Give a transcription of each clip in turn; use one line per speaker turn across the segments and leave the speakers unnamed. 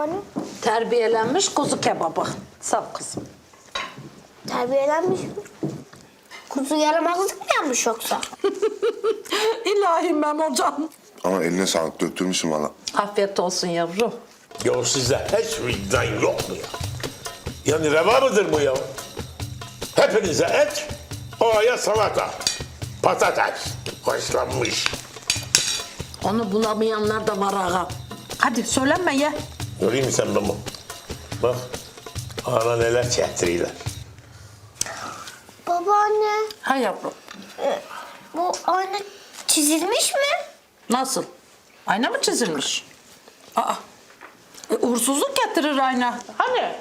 babaanne?
Terbiyelenmiş kuzu kebabı. Sağ ol kızım.
Terbiyelenmiş mi? Kuzu yaramazlık mı yapmış yoksa?
İlahi Memocan.
Ama eline sağlık, döktürmüşsün valla.
Afiyet olsun yavrum.
Ya size hiç vicdan yok mu ya? Yani reva mıdır bu ya? Hepinize et, oya salata, patates, haşlanmış.
Onu bulamayanlar da var ağa. Hadi söylenme ye.
Göreyim mi sen bunu? Bak, ana neler çektiriyorlar.
Babaanne,
Ha yavrum.
bu ayna çizilmiş mi?
Nasıl? Ayna mı çizilmiş? Aa. Uğursuzluk getirir ayna. Hani?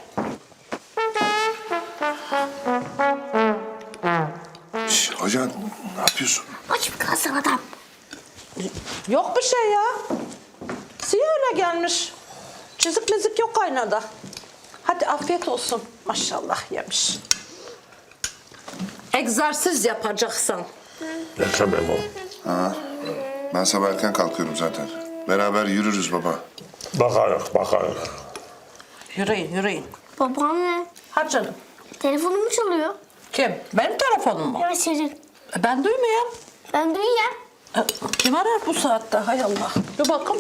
Şş, ajan ne yapıyorsun?
Aç mı kalsın adam?
Yok bir şey ya. Siyah öyle gelmiş. Çizik mizik yok aynada. Hadi afiyet olsun. Maşallah yemiş. Egzersiz yapacaksan.
Yaşa Memo.
Ben sabah erken kalkıyorum zaten. Beraber yürürüz baba.
Bakarız.
Yürüyün, yürüyün.
Babaanne,
Hadi canım.
telefonum mu çalıyor?
Kim? Benim telefonum mu?
Evet senin.
Ben duymuyorum.
Ben duyuyorum.
Kim arar bu saatte? Hay Allah. Dur bakalım.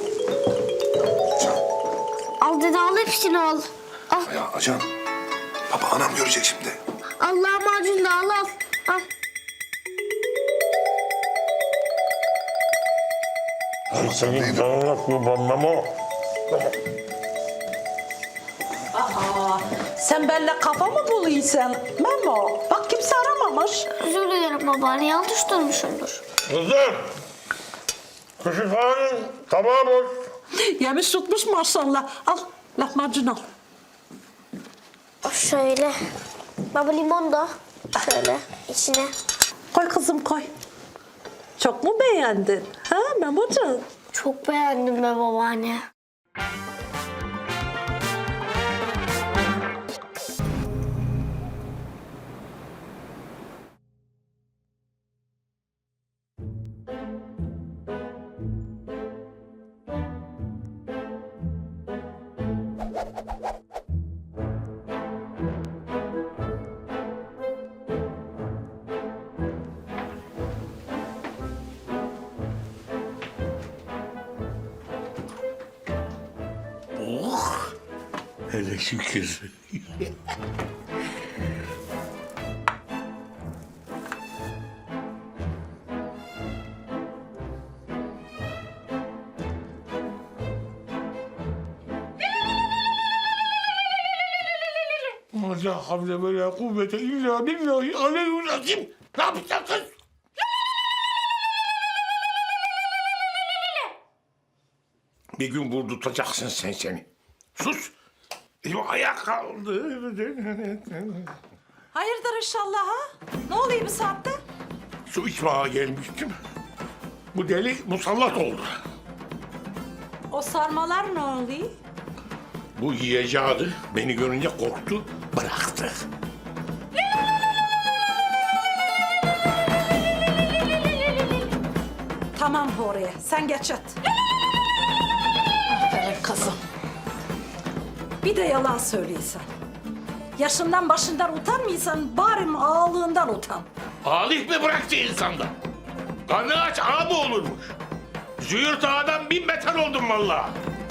Al dede al hepsini al. Al.
Ya ajan. Baba anam görecek şimdi.
Allah macun da al al. Al.
Senin canına kurban Memo.
Sen benimle kafa mı buluyorsun? Memo. Bak kimse aramamış.
Özür dilerim babaanne yanlış durmuşumdur.
Kızım, küçükhanenin tabağı boş.
Yemiş tutmuş maşallah. Al lahmacun al.
Şöyle. Baba limon da. Şöyle içine.
Koy kızım koy. Çok mu beğendin? Ha Memocan?
Çok beğendim be babaanne.
Hele şükür. La havle ve la kuvvete illa billahi aleyhüzzim. Ne yapacaksın kız? Bir gün vurdurtacaksın sen seni. Sus. Elim ayağa kaldı.
Hayırdır inşallah ha? Ne oluyor bu saatte?
Su içmeye gelmiştim. Bu deli musallat oldu.
O sarmalar ne oluyor?
Bu yiyeceği beni görünce korktu, bıraktı.
Tamam oraya. Sen geç yat. Aferin kızım. Bir de yalan söylüyorsan. Yaşından başından utanmıyorsan bari ağalığından utan.
Alih mi bıraktı insanda? Karnı aç ağa mı olurmuş? Züğürt ağadan 1000 beter oldum vallahi.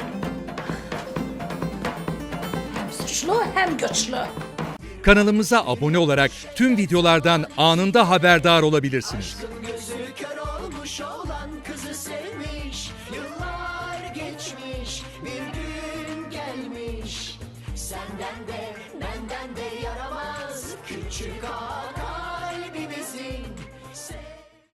Hem suçlu hem güçlü.
Kanalımıza abone olarak tüm videolardan anında haberdar olabilirsiniz.
Gözü kör olmuş olan kızı sevmiş. Yıllar geçmiş, bir gün gelmiş. Senden de benden de yaramaz küçük ağa.